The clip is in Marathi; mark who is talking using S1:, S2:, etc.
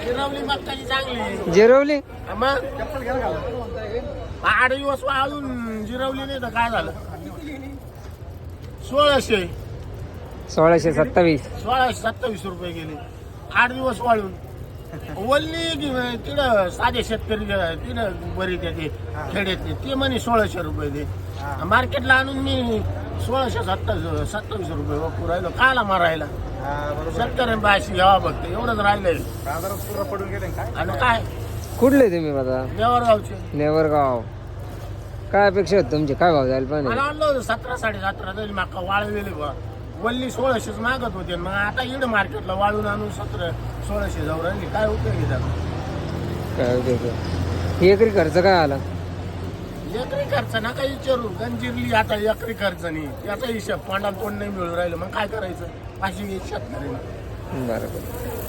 S1: जिरवली मक्काची चांगली
S2: जिरवली
S1: मग 8 दिवस वाळून जिरवली नाही तर काय झालं 1627 रुपये गेले 8 दिवस वाळून वल्ली तिकडं साधे शेतकरी तिकडं बरी ते खेड्यातले ते म्हणे 1600 रुपये दे मार्केटला आणून मी 1627 रुपये वापरू राहिलो काला मारायला शेतकऱ्यांना अशी घ्यावा बघते एवढंच राहिलंय
S3: पडून गेले काय
S1: आणि काय
S2: कुठले तुम्ही आता
S1: देवरगावचे
S2: नेवरगाव काय अपेक्षा होती तुमची काय भाव जायला
S1: मला
S2: पाहिजे
S1: आणलं होतं 17-17.5 तरी माका वाळवेले बा वल्ली 1600 मागत होते मग आता इकडे मार्केटला वाळून आणून 1700-1600 जाऊ राहिली काय उपयोगी त्याला
S2: काय होते एकरी खर्च काय आला
S1: एकरी खर्च नका विचारू गंजिरली आता एकरी खर्च नाही याचा हिशोब पांडा तोंड नाही मिळून राहिलं मग काय करायचं अशी शेतकरी
S2: बरोबर